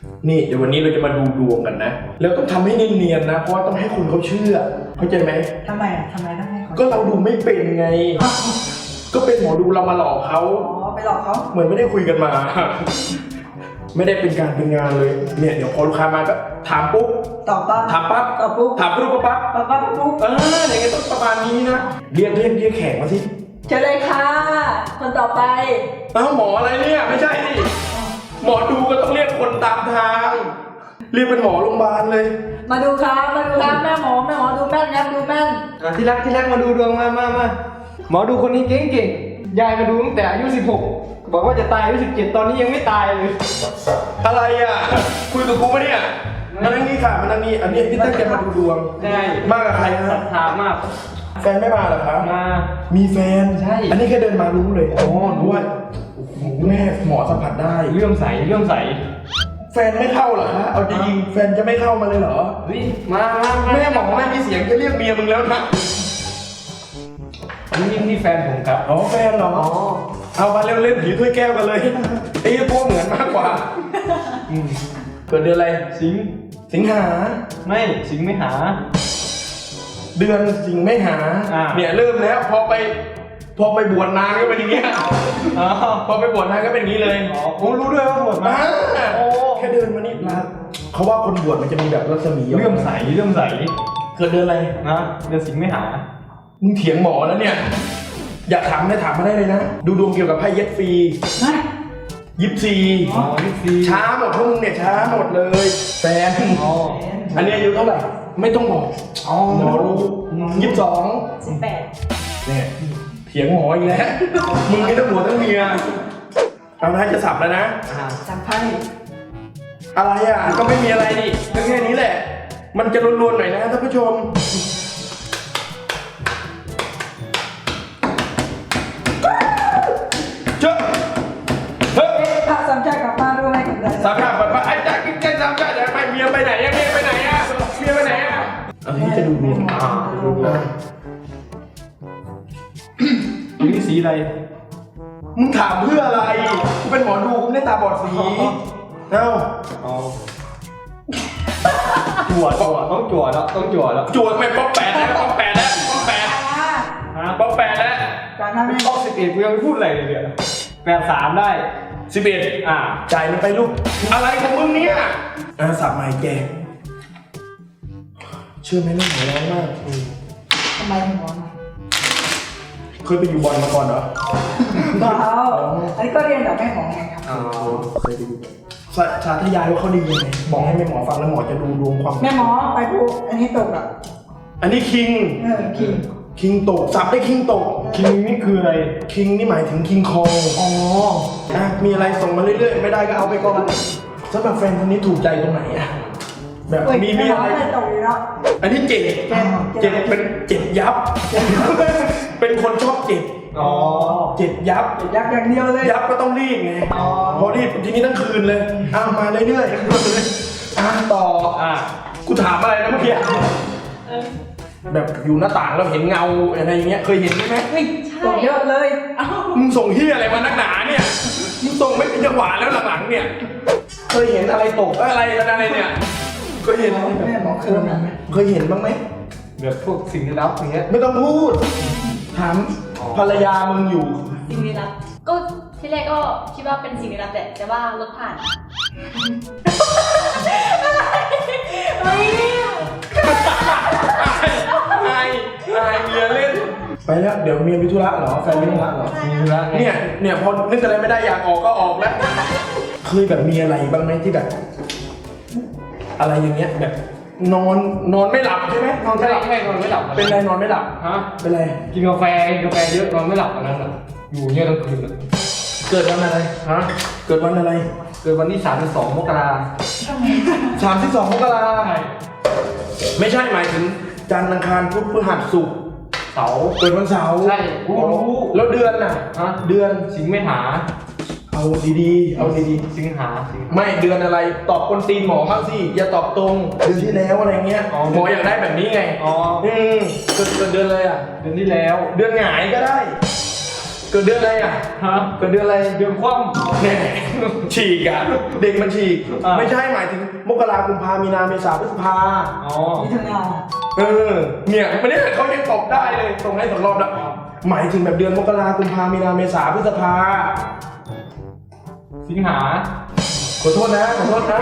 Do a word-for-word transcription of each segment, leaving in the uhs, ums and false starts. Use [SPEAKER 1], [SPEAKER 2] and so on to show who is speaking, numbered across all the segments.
[SPEAKER 1] นี่เดี๋ยววันนี้เราจะมาดูดวงกันนะแล้วต้องทำให้เนียนๆนะเพราะว่าต้องให้คนเขาเชื่อเข้าใจไหม
[SPEAKER 2] ทำไมอ่ะทำไมต้องให้เขา
[SPEAKER 1] ก็เราดูไม่เป็นไง ก็เป็นหมอดูเรามาหลอกเขา
[SPEAKER 2] อ๋อไปหลอกเขา
[SPEAKER 1] เหมือนไม่ได้คุยกันมา ไม่ได้เป็นการเป็นงานเลยเนี่ยเดี๋ยวพอลูกค้ามาก็ถามปุ๊บ
[SPEAKER 2] ตอบปั๊บ
[SPEAKER 1] ถามปั๊บ
[SPEAKER 2] ตอบปุ๊บ
[SPEAKER 1] ถามปุ๊บปั๊บ
[SPEAKER 2] ปั๊บปั๊บปุ๊บ
[SPEAKER 1] เอออย่างเงี้ยต้องประมาณนี้นะเรียกเรียกเรียกแขกมาสิ
[SPEAKER 2] เชิญเลยค่ะ คนต่อไป
[SPEAKER 1] เอ้าหมออะไรเนี่ยไม่ใช่ดิหมอดูก็ต้องเรียกคนตามทาง เรียกเป็นหมอโรงพยาบาลเลย
[SPEAKER 2] มาดูครับมาดูครับแม่หมอแม่หมอดูแม่นครับดูแม่น
[SPEAKER 3] อ่ะที่รักที่รักมาดูดวงมามามาหมอดูคนนี้เก่งเก่งยายมาดูตั้งแต่อายุสิบหกบอกว่าจะตายอายุสิบเจ็ดตอนนี้ยังไม่ตายเลย
[SPEAKER 1] อะไรอ่ะคุยกับกูปะเนี่ยมานั่งนี่ค่ะมานั่งนี่อันนี้ที่ตั้งใจมาดูดวง
[SPEAKER 3] ใช่
[SPEAKER 1] มากับใคร
[SPEAKER 3] ศรั
[SPEAKER 1] ฮะ
[SPEAKER 3] ทธามาก
[SPEAKER 1] แฟนไม่มาเหรอครับ
[SPEAKER 3] มา
[SPEAKER 1] มีแฟน
[SPEAKER 3] ใช่
[SPEAKER 1] อันนี้แค่เดินมารู้เลยอ๋อรู้ว่าโอ้โหแม่หมอสัมผัสได้
[SPEAKER 3] เลื่อมใสเลื่อมใส
[SPEAKER 1] แฟนไม่เข้าเหรอคะเอาจริงๆแฟนจะไม่เข้ามาเลยเหรอ
[SPEAKER 3] เฮ้ยมามามา
[SPEAKER 1] แม่หมอไม่มีเสียงจะเรียกเมียมึงแล้วนะ
[SPEAKER 3] นี่นี่แฟนผมครับ
[SPEAKER 1] อ๋อแฟนเหรอเอามาเล่นๆผีถ้วยแก้วกันเลยไอ้พวกเหมือนมากกว่า
[SPEAKER 3] อืม
[SPEAKER 1] เกิดเดือนอะไร
[SPEAKER 3] สิงห์
[SPEAKER 1] สิงหา
[SPEAKER 3] ไม่สิงห์ไม่หา
[SPEAKER 1] เดือนสิงไม่หา
[SPEAKER 3] อ่า
[SPEAKER 1] เนี่ยเริ่มแล้วพอไปพอไปบวชนานก็เป็นอย่างเงี้ย
[SPEAKER 3] อ๋อ
[SPEAKER 1] พอไปบวชนานก็เป็นอย่างนี้เลย
[SPEAKER 3] อ๋อผมรู้ด้วยว่าบวชมา
[SPEAKER 1] อ่า
[SPEAKER 3] โอ้
[SPEAKER 1] แค่เดินมานี่ลาเขาว่าคนบวชมันจะมีแบบรัศมี
[SPEAKER 3] เลื่อมใสเลื่อมใส
[SPEAKER 1] เกิดเดือนอะไร
[SPEAKER 3] นะเดือนสิงห์ไม่หา
[SPEAKER 1] มึงเถียงหมอแล้วเนี่ย อยากถามได้ถามมาได้เลยนะ ดูดวงเกี่ยวกับไพ่เย็ดฟรี
[SPEAKER 2] นะ
[SPEAKER 1] ยิปซี
[SPEAKER 3] อ๋อยี่สิบ
[SPEAKER 1] ช้าหมดพวกมึงเนี่ยช้าหมดเลยแฟน
[SPEAKER 3] อ๋อ
[SPEAKER 1] อันนี้อายุเท่าไหร่ไม่ต้องบอก
[SPEAKER 3] อ๋อ
[SPEAKER 1] หมอรู้ยี่สิบสอง
[SPEAKER 2] สิบแปด
[SPEAKER 1] เนี่ยเถียงหมออีกแล้ว มึงไม่ต้องหัวต้องเมียเอานะจะสับแล้วนะ
[SPEAKER 3] อ่า
[SPEAKER 2] จำไพ่
[SPEAKER 1] อะไรอ่ะก็ไม่มีอะไรนี่ก็แค่นี้แหละ มันจะรวนๆหน่อยนะท่านผู้ชมเจ้าเฮ้ย
[SPEAKER 2] พระสามชาติกลับบ้านด้วยไหมกับอะไร
[SPEAKER 1] สามชาติไปไอ้แจ็คแจ็คสามชาติเดี๋ยวไปเมียไปไหนอะเมียไปไหนอะเมียไปไหนอะเอาทีนี้จะดูดวงอ่าดูดวง
[SPEAKER 3] นี่สีอะไร
[SPEAKER 1] มึงถามเพื่ออะไรกูเป็นหมอดูกูไม่ได้ตาบอดสีเอ้า
[SPEAKER 3] อ๋อจั่วจั่วต้องจั่วแล้วต้องจั่วแล้ว
[SPEAKER 1] จวดไม่ป๊อกแปดแล้วป๊อกแปดแล้วป๊อกแปด
[SPEAKER 3] ฮะ
[SPEAKER 1] ป๊อกแปดแล้ว
[SPEAKER 2] การนั้น
[SPEAKER 3] ไม่ต้องสิบเอ็ดกูยังไม่พูดอะไรเลยเนี่ยแปดสามได้
[SPEAKER 1] สิบเอ็ด
[SPEAKER 3] อ่า
[SPEAKER 1] จ่ายมันไปลูกอะไรของมึงเนี่ยอ่าสับไม้แกเชื่อไหมเรื่องหัวร้อนมาก
[SPEAKER 2] ทำไมถึงร้อนอ่ะ
[SPEAKER 1] เคยไปอยู่บอลมาก่อนเหรอ
[SPEAKER 2] เปล่าอันนี้ก็เรียนกับแม่หมอไงครับ
[SPEAKER 3] อ๋อ
[SPEAKER 1] เคยไปดูสาสาธยายว่าเขาดียังไงบอกให้แม่หมอฟังแล้วหมอจะดูดวงความ
[SPEAKER 2] แม่หมอไปพูดอันนี้ตกอ่ะ
[SPEAKER 1] อันนี้คิง
[SPEAKER 2] เออคิง
[SPEAKER 1] คิงตกสับได้คิงตก
[SPEAKER 3] คิงนี่คืออะไร
[SPEAKER 1] คิงนี่หมายถึงคิงคอง
[SPEAKER 3] อ๋อ
[SPEAKER 1] อ่ะมีอะไรส่งมาเรื่อยๆไม่ได้ก็เอาไปก่อนสำหรับแฟนคนนี้ถูกใจตรงไหนอะแบบ
[SPEAKER 2] เฮ้ย
[SPEAKER 1] มี
[SPEAKER 2] แม่
[SPEAKER 1] มี
[SPEAKER 2] หมอ
[SPEAKER 1] อะไร
[SPEAKER 2] ไม่ตกอยู่แล้ว
[SPEAKER 1] อันนี้เจ็บ
[SPEAKER 2] เจ็บ
[SPEAKER 1] เจ็บเป็นเจ็บยับ เป็นคนชอบเจ็บ
[SPEAKER 3] อ๋อ
[SPEAKER 1] เจ็บยับ
[SPEAKER 2] ยักอย่างเดียวเลย
[SPEAKER 1] ยับก็ต้องรีบไง
[SPEAKER 2] อ๋อ
[SPEAKER 1] พอรีบทีนี้ทั้งคืนเลยอ้าวมาเรื่อยๆอ่ะต่อ
[SPEAKER 3] อ่า
[SPEAKER 1] กูถามอะไรนะเมื่อกี้แบบอยู่หน้าต่างแล้วเห็นเงาอะไรอย่างเงี้ยเคยเห็นไหม
[SPEAKER 2] เฮ้ยตกเยอะเลยเอ้า
[SPEAKER 1] มึงส่งที่อะไรมานักหนาเนี่ยมึงส่งไม่เป็นจังหวะแล้วหลังๆเนี่ยเคยเห็นอะไรตกเอ้ยอะไรอะไรเนี่ยเคยเห็นอะไรแบบ
[SPEAKER 2] แม่หมอเคยไหม
[SPEAKER 1] เคยเห็นบ้างไหม
[SPEAKER 3] แบบพวกสิ่งลี้ลับอย่างเงี้ย
[SPEAKER 1] ไม่ต้องพูดถามภรรยามึงอยู่
[SPEAKER 4] สิ่งลี้ลับก็ที่แรกก็คิดว่าเป็นสิ่งลี้ลับแหละแต่ว่ารถผ่านเฮ้ย
[SPEAKER 1] ไอ้ไอ้เมียเล่นไปแล้วเดี๋ยวเมียมีธุระเหรอแฟนมีธุระเหรอ
[SPEAKER 3] มีธุระไง
[SPEAKER 1] เนี่ยเนี่ยพอนึกอะไรไม่ได้อยากออกก็ออกแล้วเคยแบบมีอะไรบ้างไหมที่แบบ อะไรอย่างเงี้ยแบบ นอนนอนไม่หลับใช่ไหมนอน
[SPEAKER 3] ใช่
[SPEAKER 1] ไม่หลับ
[SPEAKER 3] ใช่นอนไม่หลับ
[SPEAKER 1] เป็นไรนอนไม่หลับ
[SPEAKER 3] ฮะ
[SPEAKER 1] เป็นไร
[SPEAKER 3] กินกาแฟกินกาแฟเยอะนอนไม่หลับอันนั้นอ่ะอยู่เงี้ยทั้งคืนเลย
[SPEAKER 1] เกิดวันอะไร
[SPEAKER 3] ฮะ
[SPEAKER 1] เกิดวันอะไร
[SPEAKER 3] เกิดวันที่สามสิบสองมกรา
[SPEAKER 1] สามสิบสองมกรา
[SPEAKER 3] ใช่
[SPEAKER 1] ไม่ใช่หมายถึงจันทร์อังคารพุธพฤหัสศุกร์
[SPEAKER 3] เสาร์
[SPEAKER 1] เกิดวันเสาร์
[SPEAKER 3] ใช่รู้รู้
[SPEAKER 1] แล้วเดือนน่ะ
[SPEAKER 3] ฮะ
[SPEAKER 1] เดือน
[SPEAKER 3] สิงห์ไม่หา
[SPEAKER 1] เอาดีๆ เอาดี
[SPEAKER 3] สิงหาสิงหา
[SPEAKER 1] ๆ ไม่เดือนอะไร ตอบคนตีนหมอบ้างสิ อย่าตอบตรง เดือนที่แล้วอะไรเงี้ย
[SPEAKER 3] อ๋อ
[SPEAKER 1] หมออยากได้แบบนี้ไง
[SPEAKER 3] อ๋อ
[SPEAKER 1] อืมเกิดเกิดเดือนอะไรอ่ะ
[SPEAKER 3] เดือนที่แล้ว
[SPEAKER 1] เดือนหงายก็ได้เกิดเดือนอะไรอ่ะ
[SPEAKER 3] ฮะ
[SPEAKER 1] เกิดเดือนอะไร
[SPEAKER 3] เดือนคว่
[SPEAKER 1] แน่ฉีกอ่ะเด็กมันฉีก
[SPEAKER 3] อ่า
[SPEAKER 1] ไม่ใช่หมายถึงมกราคมกุมภามีนาเมษาพฤษภา
[SPEAKER 3] ำอ๋อ
[SPEAKER 2] มิถุนา
[SPEAKER 1] เออเนี่ยมันเนี่ยเขายังตอบได้เลยตรงให้สองรอบแล้วหมายถึงแบบเดือนมกราคมกุมภามีนาเมษาพฤษภา
[SPEAKER 3] สิงหา
[SPEAKER 1] ขอโทษนะขอโทษนะ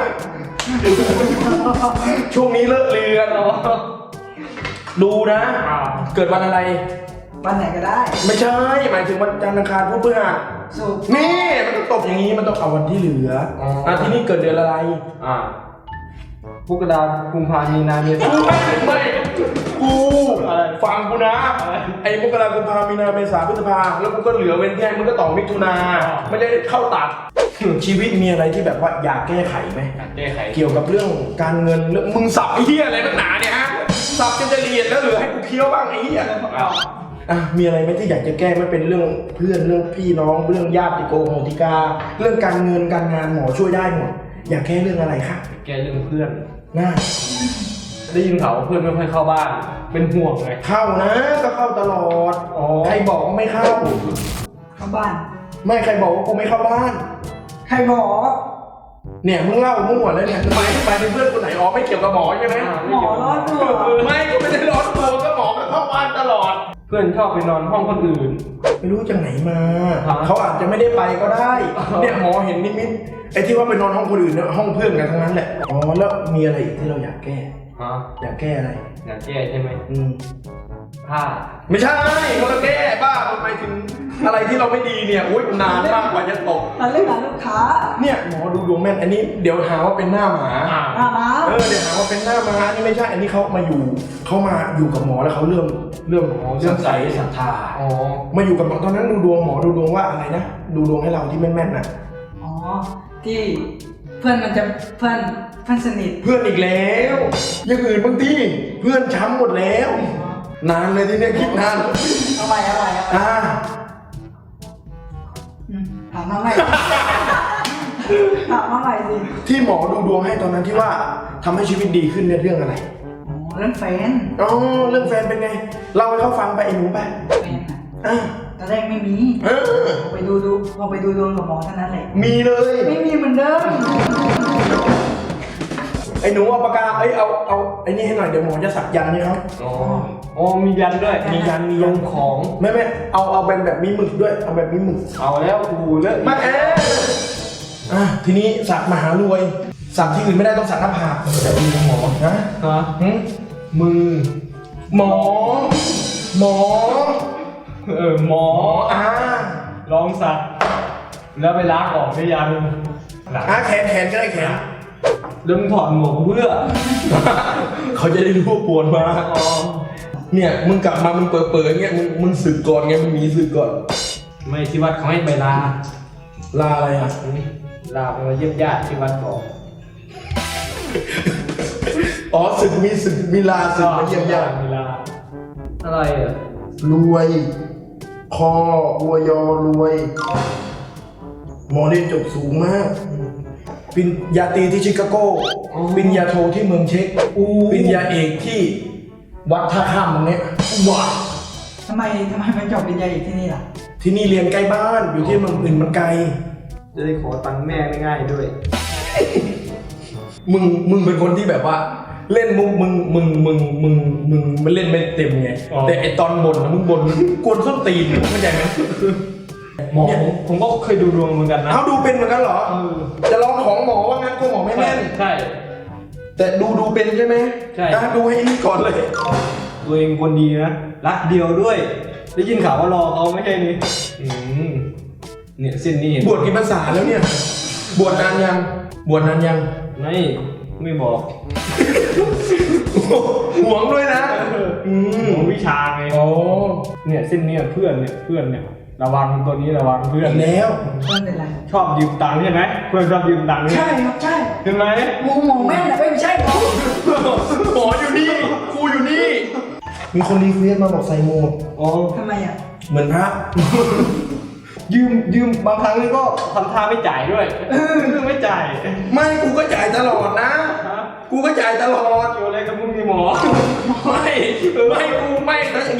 [SPEAKER 1] ช่วงนี้เลิกเรียนดูนะ
[SPEAKER 3] อ่า
[SPEAKER 1] เกิดวันอะไร
[SPEAKER 2] วันไหนก็ได้
[SPEAKER 1] ไม่ใช่หมายถึงวันจันทร์อังคารพุธพฤหัส
[SPEAKER 2] สุกร์
[SPEAKER 1] นี่มันต้องตบอย่างนี้มันต้องเอาวันที่เหลือ
[SPEAKER 3] อ๋ออ่
[SPEAKER 1] อ่ะที่นี่เกิดเดือนอะไร
[SPEAKER 3] อ่าพฤษภากุมภามีนาเมษา
[SPEAKER 1] กูไม่ไม่กู
[SPEAKER 3] อะไร
[SPEAKER 1] ฟังกูนะ
[SPEAKER 3] อะไร
[SPEAKER 1] ไอ้มกราคมกุมภามีนาเมษาพฤษภาแล้วกูก็เหลือเว้นแค่มึงก็ต่อมิถุนา
[SPEAKER 3] อ๋อ
[SPEAKER 1] ไม่ได้เข้าตัด ชีวิตมีอะไรที่แบบว่าอยากแก้ไขไหม
[SPEAKER 3] การแก้ไข
[SPEAKER 1] เกี่ยวกับเรื่องการเงินเรื่องมึงสับไอ้เหี้ยอะไรนักหนาเนี่ยฮะสับจนจะเรียนแล้วเหลือให้กูเคี้ยวบ้างไอ้เหี้ย
[SPEAKER 3] อ้าว
[SPEAKER 1] อ่ะมีอะไรไหมที่อยากจะแก้ไม่เป็นเรื่องเพื่อนเรื่องพี่น้องเรื่องญาติโกโหติกา เรื่องการเงินการงานหมอช่วยได้หมดอยากแก้เรื่องอะไรคะ
[SPEAKER 3] แก้เรื่องเพื่อน
[SPEAKER 1] น่า
[SPEAKER 3] ได้ยินข่าวว่าเพื่อนไม่ค่อยเข้าบ้าน เป็นห่วงไง
[SPEAKER 1] เข้านะก็เข้าตลอด
[SPEAKER 3] อ๋อ
[SPEAKER 1] ใครบอกว่าไม่เข้า
[SPEAKER 2] เข้าบ้าน
[SPEAKER 1] ไม่ใครบอกว่ากูไม่เข้าบ้าน
[SPEAKER 2] ใครบอก
[SPEAKER 1] เนี่ยมึงเล่ามั่วแล้วเนี่ยไปไปเป็นเพื่อนคนไหนอ๋อไม่เกี่ยวกับหมอใช่ไหม
[SPEAKER 2] หมอร้อนตัว
[SPEAKER 1] ไม่ก็ไม่ได้ร้อนตัวก็หมอก็เข้าบ้านตลอด
[SPEAKER 3] เพื่อนชอบไปนอนห้องคนอื่น
[SPEAKER 1] ไม่รู้จากไหนมา
[SPEAKER 3] ฮะ
[SPEAKER 1] เขาอาจจะไม่ได้ไปก็ได้
[SPEAKER 3] อ๋อ
[SPEAKER 1] เนี่ยหมอเห็นนิมิตไอ้ที่ว่าไปนอนห้องคนอื่นเนี่ยห้องเพื่อนกันทั้งนั้นแหละ อ๋อแล้วมีอะไรอีกที่เราอยากแก้
[SPEAKER 3] ฮะ
[SPEAKER 1] อยากแก้อะไร
[SPEAKER 3] อยากแก้ใช่ไหม
[SPEAKER 1] อืม
[SPEAKER 3] ผ้า
[SPEAKER 1] ไม่ใช่คนละแก้บ้าทำไมถึงอะไรที่เราไม่ดีเนี่ยอุ้ยนานมากกว่าจะตก
[SPEAKER 2] ตอนเล่นกับลูกค้า
[SPEAKER 1] เนี่ยหมอดูดวงแม่น อันนี้เดี๋ยวหาว่าเป็นหน้าหมา
[SPEAKER 3] อ่า
[SPEAKER 2] หน้าม้า
[SPEAKER 1] เออเดี๋ยวหาว่าเป็นหน้าม้านี่ไม่ใช่ อันนี้เขามาอยู่เขามาอยู่กับหมอแล้วเขาเริ่มเริ่มเริ่มใส่ศรัทธา
[SPEAKER 3] อ๋อ
[SPEAKER 1] มาอยู่กับหมอตอนนั้นดูดวงหมอดูดวงว่าอะไรนะ ดูดวงให้เราที่แม่นๆน่ะ
[SPEAKER 2] อ๋อ ที่เพื่อนมันจะเพื่อนเพื่อนสนิท
[SPEAKER 1] เพื่อนอีกแล้วอย่างอื่นบางทีเพื่อนช้ำหมดแล้ว นานเลยที่เนี้ยคิดนาน
[SPEAKER 2] เอาไปเอาไปเอาไป
[SPEAKER 1] อ่า
[SPEAKER 2] อืมถามมาใหม่ ถามมาใหม่สิ
[SPEAKER 1] ที่หมอดูดวงให้ตอนนั้นที่ว่าทำให้ชีวิตดีขึ้นเนี่ยเรื่องอะไร
[SPEAKER 2] อ๋อเรื่องแฟน
[SPEAKER 1] อ๋อเรื่องแฟนเป็นไงเล่าให้เขาฟังไปไอ้หนูไป
[SPEAKER 2] แฟนอะ
[SPEAKER 1] อ่ะ
[SPEAKER 2] ตอนแรกไม่มี
[SPEAKER 1] เออ
[SPEAKER 2] พอไปดูดูพอไปดูดวงกับหมอเท่านั้นแหละ
[SPEAKER 1] มีเลย
[SPEAKER 2] ไม่มีเหมือนเดิม
[SPEAKER 1] ไอ้หนูเอาปากกาเอ้ยเอาเอาไอ้นี่ให้หน่อยเดี๋ยวหมอจะสักยันต์ให้เขา
[SPEAKER 3] อ๋ออ๋อมียันด้วย
[SPEAKER 1] มียันมียัน
[SPEAKER 3] ของ
[SPEAKER 1] ไม่ไม่เอาเอาแบบแบบมีหมึกด้วยเอาแบบมีหมึก
[SPEAKER 3] เอาแล้วกูเลิก
[SPEAKER 1] มาเอ๊ะอ่ะทีนี้สักมหารวยสักที่อื่นไม่ได้ต้องสักหน้าผากแบบมีหมอนะ
[SPEAKER 3] ฮะ
[SPEAKER 1] หึ
[SPEAKER 3] มือ
[SPEAKER 1] หมอ หมอ
[SPEAKER 3] เออหมอ
[SPEAKER 1] อ่า
[SPEAKER 3] ลองสัก แล้วไปล้างออกได้ยังหลัง
[SPEAKER 1] อ่าแขนแขนก็ได้แขน
[SPEAKER 3] เริ่มถอดหมวกเพื่อ
[SPEAKER 1] เขาจะได้รู้ว่าปวดมา
[SPEAKER 3] อ๋อ
[SPEAKER 1] เนี่ยมึงกลับมามึงเปิดเปิดเงี้ยมึงมึงสึกก่อนไงมึงมีสึกก่อน
[SPEAKER 3] ไม่ที่วัดเขาให้ไปลา
[SPEAKER 1] ลาอะไรอ่ะ
[SPEAKER 3] ลาไปมาเยี่ยมญาติที่วัดบอก
[SPEAKER 1] อ๋อสึกมีสึกมีลาสึกมาเยี่ยมญาติ
[SPEAKER 3] เวลาอะไรอ่ะ
[SPEAKER 1] รวย คออวยอรวย หมอเรียนจบสูงมากปริญญาตรีที่ชิคาโกปริญญาโทที่เมืองเช็กปริญญาเอกที่วัดท่าข้ามตรงเนี้ยว้า
[SPEAKER 2] ทำไมทำไมมันจบปริญญาเอกที่นี่ล่ะ
[SPEAKER 1] ที่นี่เรียนใกล้บ้านอยู่ที่เมืองอื่นมันไกล
[SPEAKER 3] จะได้ขอตังค์แม่ง่ายๆด้วย
[SPEAKER 1] มึงมึงเป็นคนที่แบบว่า เล่นมุกมึงมึงมึงมึงมึงมันเล่นไม่เต็มไง
[SPEAKER 3] อ๋อ
[SPEAKER 1] แต่ไอตอนบ่นนะมึงบ่นกวนส้นตีนเข้าใจไหม
[SPEAKER 3] หมอผมผมก็เคยดูดวงเหมือนกันนะ
[SPEAKER 1] เอาดูเป็นเหมือนกันเหรอ
[SPEAKER 3] เออ
[SPEAKER 1] จะลองของหมอว่างั้นกูหมอไม่แม่น
[SPEAKER 3] ใช่
[SPEAKER 1] แต่ดูดูเป็นใช่ไหม
[SPEAKER 3] ใช่
[SPEAKER 1] อ่ะดูให้นี่ก่อนเลย
[SPEAKER 3] ตัวเองคนดีนะ รักเดียวด้วย ได้ยินข่าวว่ารอเขาไม่ใช่นี่อืมเนี่ยเส้นนี้เห็น
[SPEAKER 1] บวชกี่ภาษาแล้วเนี่ย บวชนานยัง บวชนานยัง
[SPEAKER 3] ไม่ไม่บอก
[SPEAKER 1] ห่วงด้วยนะ อืม
[SPEAKER 3] ของวิชาไง
[SPEAKER 1] โอ้
[SPEAKER 3] เนี่ยเส้นเนี้เพื่อนเนี่ยเพื่อนเนี่ยระวังตัวนี้ระวังเพื่อน
[SPEAKER 1] อีกแล้ว
[SPEAKER 2] เพื่อนเป็นไร
[SPEAKER 3] ชอบยืมตังค์ใช่ไหมเพื่อนชอบยืมตังค์
[SPEAKER 2] ใช่ครับใช่
[SPEAKER 3] เห็นไหม
[SPEAKER 2] หมูหมอแม่นแต่ไม่ใช่หมอ
[SPEAKER 1] หมออยู่นี่ครูอยู่นี่ มีคนรีเควสมาบอกใส่โหมด
[SPEAKER 3] อ๋อ
[SPEAKER 2] ทำไมอ่ะ
[SPEAKER 1] เหมือนพระ
[SPEAKER 3] ยืมยืมบางครั้งนี่ก็ทำท่าไม่จ่ายด้วยเออไม่จ่าย
[SPEAKER 1] ไม่กูก็จ่ายตลอดนะ
[SPEAKER 3] ฮะ
[SPEAKER 1] กูก็จ่ายตลอด
[SPEAKER 3] เกี่ยวอะไรกับมึงมีหมอ
[SPEAKER 1] ไม่ไม่กูไม่ถ้าอย่างนี้กูเสีย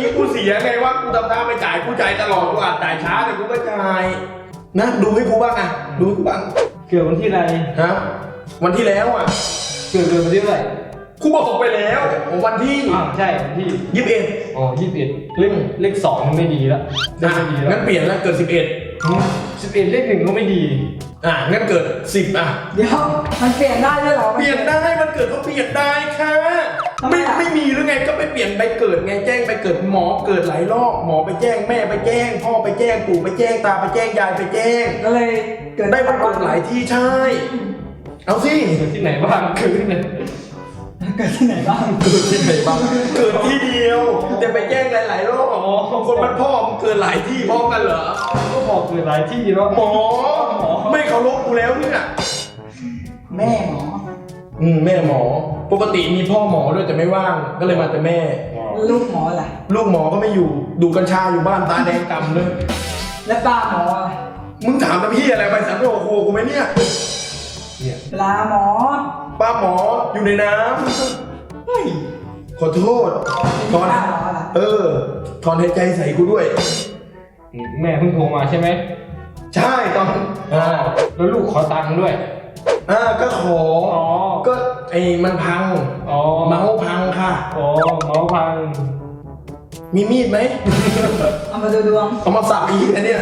[SPEAKER 1] สียไงว่ากูทำท่าไม่จ่ายกูจ่ายตลอดกูอาจจ่ายช้าแต่กูก็จ่ายนะดูให้กูบ้างอ่ะดูให้กูบ้าง
[SPEAKER 3] เกิดวันที่อะไร
[SPEAKER 1] ฮะวันที่แล้วอ่ะ
[SPEAKER 3] เกิดเดือนวันที่เท่าไหร่
[SPEAKER 1] กูบอกไปแล้ววันที่
[SPEAKER 3] อ่าใช่วันที่
[SPEAKER 1] ยี่สิบเอ็ด
[SPEAKER 3] อ๋อยี่สิบเอ็ดเลขเลขสองมันไม่ดีละเลขไม่ดี
[SPEAKER 1] งั้
[SPEAKER 3] ละ
[SPEAKER 1] นเปลี่ยนแล้วเกิดสิบเอ็ด
[SPEAKER 3] สิบเอ็ดเลขหนึ่งก็ไม่ดี
[SPEAKER 1] อ่ะงั้นเกิดสิบอ่ะ
[SPEAKER 2] เดี๋ยวมันเปลี่ยนได้ด้วยเหรอ
[SPEAKER 1] เปลี่ยนได้มันเกิดเขาเปลี่ยนได้ค่ะ
[SPEAKER 2] ทำไม
[SPEAKER 1] ไม่
[SPEAKER 2] อ่ะ
[SPEAKER 1] ไม่มีหรือไงก็ไปเปลี่ยนใบเกิดไงแจ้งใบเกิดหมอเกิดหลายรอบหมอไปแจ้งแม่ไปแจ้ง พ่อไปแจ้งปู่ไปแจ้งตาไปแจ้งยายไปแจ้ง
[SPEAKER 2] ก็เลยเกิด
[SPEAKER 1] ได้วันเกิดหลายที่ใช่ เอาสิ
[SPEAKER 3] เกิดที่ไหนบ้างเกิดที่ไหน
[SPEAKER 2] เกิดที่ไหนบ้าง
[SPEAKER 1] เกิดที่ไหนบ้างเกิดที่เดียวแต่ไปแจ้งหลายๆรอบอ๋อคนมันพ่อมันเกิดหลายที่พร้อมกันเหรอ
[SPEAKER 3] ก็บอกเกิดหลายที่แล้ว
[SPEAKER 1] หมอไม่เคารพกูแล้วเนี่ย
[SPEAKER 2] แม่หมอ
[SPEAKER 1] อืมแม่หมอ ปกติมีพ่อหมอด้วยแต่ไม่ว่างก็เลยมาแต่แม่
[SPEAKER 2] ลูกหมอล่ะ
[SPEAKER 1] ลูกหมอก็ไม่อยู่ดูกัญชาอยู่บ้านตาแดงกำเลย
[SPEAKER 2] และป้าหมอล่ะ
[SPEAKER 1] มึงถามแต่พี่อะไรไปสันโอโคกูไหมเนี่ย
[SPEAKER 3] เนี่ย
[SPEAKER 2] ปลาหมอ
[SPEAKER 1] ป้าหมออยู่ในน้ำเฮ้ยขอโทษถอน
[SPEAKER 2] ป้าหมอล่ะ
[SPEAKER 1] เออถอนหายใจใส่กูด้วย
[SPEAKER 3] แม่เพิ่งโทรมาใช่ไหม
[SPEAKER 1] ใช่ตอนอ่า
[SPEAKER 3] แล้วลูกขอตังค์ด้วย
[SPEAKER 1] อ่าก็ขอ
[SPEAKER 3] อ๋อ
[SPEAKER 1] ก็ไอ้มันพัง
[SPEAKER 3] อ๋อ
[SPEAKER 1] เมาส์พังค่ะ
[SPEAKER 3] อ๋อเมาส์พัง
[SPEAKER 1] มีมีดไหม
[SPEAKER 2] เอามาดูดวง
[SPEAKER 1] เอามาสับอีกอันเนี้ย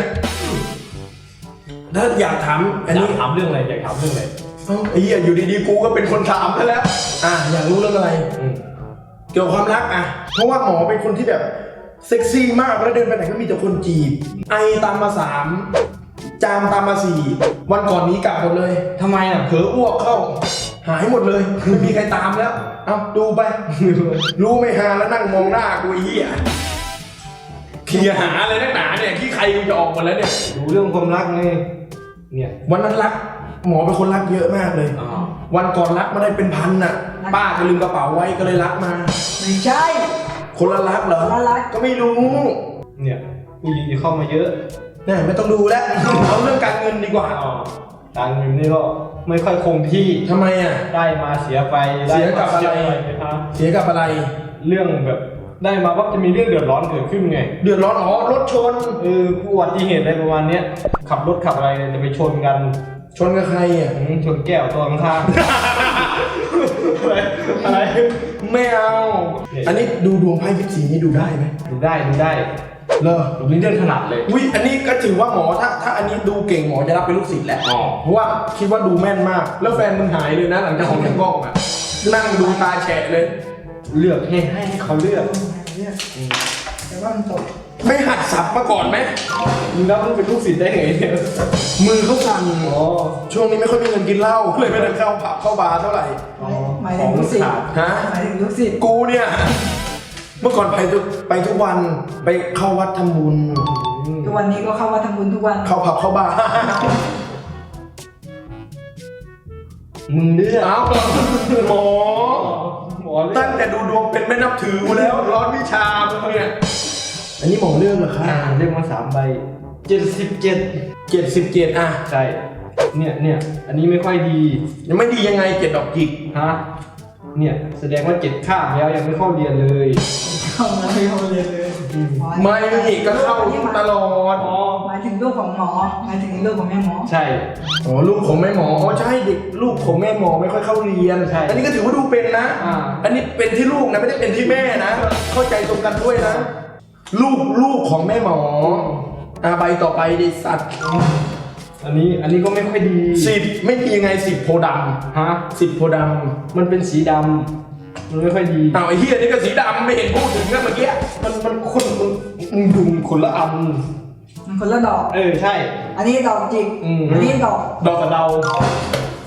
[SPEAKER 1] ถ้าอยากถามอัน
[SPEAKER 3] อยา
[SPEAKER 1] นี้
[SPEAKER 3] กถามเรื่องอะไรอยากถามเรื่องอะไร
[SPEAKER 1] เอ้าไอ้เหี้ยอยู่ดีๆกูก็เป็นคนถามซะแล้ว อ่ะอยากรู้เรื่องอะไร
[SPEAKER 3] อืม
[SPEAKER 1] เกี่ยวกับความรักอ่ะ เพราะว่าหมอเป็นคนที่แบบเซ็กซี่มากแล้วเดินไปไหนก็มีแต่คนจีบ ไอตามมาสามจามตามมาสี่วันก่อนนี้กลับหมดเลย
[SPEAKER 3] ทำไมอ่ะ
[SPEAKER 1] เผลออ้วกเข้า หายหมดเลยไม่มีใครตามแล้ว เอาดูไป รู้ไม่หาแล้วนั่งมองหน้ากูไอ้เหี้ยเคลียร์หาอะไรนักหนาเนี่ยที่ใครกูจะออกหมดแล้วเนี่ย
[SPEAKER 3] ดูเรื่องความรักไงเนี่ย
[SPEAKER 1] วันนั้นรัก หมอเป็นคนรักเยอะมากเลย
[SPEAKER 3] อ๋อ
[SPEAKER 1] วันก่อนรักมาได้เป็นพันน่ะ ป้าก็ลืมกระเป๋าไว้ก็เลยรักมา
[SPEAKER 2] ไม่ใช่
[SPEAKER 1] คนละรักเหรอ
[SPEAKER 2] คนละรัก
[SPEAKER 1] ก็ไม่รู้
[SPEAKER 3] เนี่ยผู้หญิงที่เข้ามาเยอะ
[SPEAKER 1] เนี่ยไม่ต้องดูแล้ว เอาเรื่องการเงินดีกว่า
[SPEAKER 3] อ๋อตังค์เงินนี่ก็ไม่ค่อยคงที่
[SPEAKER 1] ทำไมอ่ะ
[SPEAKER 3] ได้มาเสียไปได้
[SPEAKER 1] เสียกับ
[SPEAKER 3] มา
[SPEAKER 1] อะไร
[SPEAKER 3] เสียไปนะครับ
[SPEAKER 1] เสียกับอะไร
[SPEAKER 3] เรื่องแบบได้มาว่าจะมีเรื่องเดือดร้อนเกิดขึ้นไง
[SPEAKER 1] เดือดร้อนอ๋อรถชน
[SPEAKER 3] เอออุบัติเหตุอะไรประมาณเนี้ยขับรถขับอะไรเนี่ยจะไปชนกัน
[SPEAKER 1] ชนกับใครอ่ะ
[SPEAKER 3] อืมชนแก้วตัวข้างๆ อะไรอะไร
[SPEAKER 1] ไม่เอา อันนี้ดูดวงไพ่ยิปซีนี่ดูได้ไหม
[SPEAKER 3] ดูได้ดูได้
[SPEAKER 1] เลอ
[SPEAKER 3] ดูนี่เรื่องถนัดเลย
[SPEAKER 1] อุ้ยอันนี้ก็ถือว่าหมอถ้าถ้าอันนี้ดูเก่งหมอจะรับเป็นลูกศิษย์แหละ
[SPEAKER 3] อ๋อ
[SPEAKER 1] เพราะว่าคิดว่าดูแม่นมาก แล้วแฟนมึงหายเลยนะหลังจากออกจากกล้องอ่ะ นั่งดูตาแฉะเลย
[SPEAKER 3] เลือกให้ให้เขาเลือก
[SPEAKER 2] แต่ว่ามันตก
[SPEAKER 1] ไม่หัดสับมาก่อนไหม
[SPEAKER 3] มึงรับมึงเป็นลูกศิษย์ได้ไงเนี่ย
[SPEAKER 1] มือเขาสั่น
[SPEAKER 3] อ๋อ
[SPEAKER 1] ช่วงนี้ไม่ค่อยมีเงินกินเหล้าเลยไม่ได้เข้าผับเข้าบาร์เท่าไหร่
[SPEAKER 3] อ๋อ
[SPEAKER 2] หมายถึงลูกศิษย์
[SPEAKER 1] ฮะ
[SPEAKER 2] หมายถึงลูกศิษย์
[SPEAKER 1] กูเนี่ย เมื่อก่อนไปทุกไปทุกวันไปเข้าวัดทำบุญ
[SPEAKER 2] ทุกวันนี้ก็เข้าวัดทำบุญทุกวัน
[SPEAKER 1] เข้าผับเข้าบาร์
[SPEAKER 3] มึงเลือก
[SPEAKER 1] เอ้าหมอ
[SPEAKER 3] หมอเลือ
[SPEAKER 1] ตั้
[SPEAKER 3] ก
[SPEAKER 1] งแต่ดูดวงเป็นไม่นับถือกูแล้วร้อนวิชามึงเนี่ยอันนี้หมอเรื่องเหรอคะ
[SPEAKER 3] อ่าเลือกมาสามใบเจ็ดสิบเจ็ด
[SPEAKER 1] เจ็ดสิบเจ็ดอ่ะ
[SPEAKER 3] ใช่ เนี่ยเนี่ยอันนี้ไม่ค่อยดี
[SPEAKER 1] ยังไม่ดียังไงเจ็ดดอกจิก
[SPEAKER 3] ฮะ เนี่ยแสดงว่าเจ็ดข้ามแล้วยังไม่เข้าเรียนเลย
[SPEAKER 2] เข้ามาไม่เข้าเรียนเลย
[SPEAKER 1] ไม่ก็เข้าตลอด
[SPEAKER 3] อ๋อ
[SPEAKER 2] หมายถึงลูกของหมอหมายถึงลูกของแม่หมอ
[SPEAKER 3] ใช่
[SPEAKER 1] อ๋อลูกของแม่หมออ๋อใช่เด็กลูกของแม่หมอไม่ค่อยเข้าเรียน
[SPEAKER 3] ใช่
[SPEAKER 1] อันนี้ก็ถือว่าดูเป็นนะ
[SPEAKER 3] อ่า
[SPEAKER 1] อันนี้เป็นที่ลูกนะไม่ได้เป็นที่แม่นะ เข้าใจตรงกันด้วยนะ ลูกลูกของแม่หมออ่าใบต่อไปดิสัตว์
[SPEAKER 3] อันนี้อันนี้ก็ไม่ค่อยดี
[SPEAKER 1] สิบไม่มียังไงสิบโพธิ์ด
[SPEAKER 3] ฮะ
[SPEAKER 1] ำสิบโพธิ์ด
[SPEAKER 3] มันเป็นสีดำมันไม่ค่อยดี
[SPEAKER 1] ำอ้าวไอ้เฮียนี่ก็สีดำไม่เห็นพูดถึงนะเมื่อกี้
[SPEAKER 3] มันมันคนมันมันดุมคนละอัน
[SPEAKER 2] มันคนละดอก
[SPEAKER 3] เออใช่
[SPEAKER 2] อันนี้ดอกจิก
[SPEAKER 3] อืม
[SPEAKER 2] อันนี้ดอก
[SPEAKER 3] ดอกกระเดา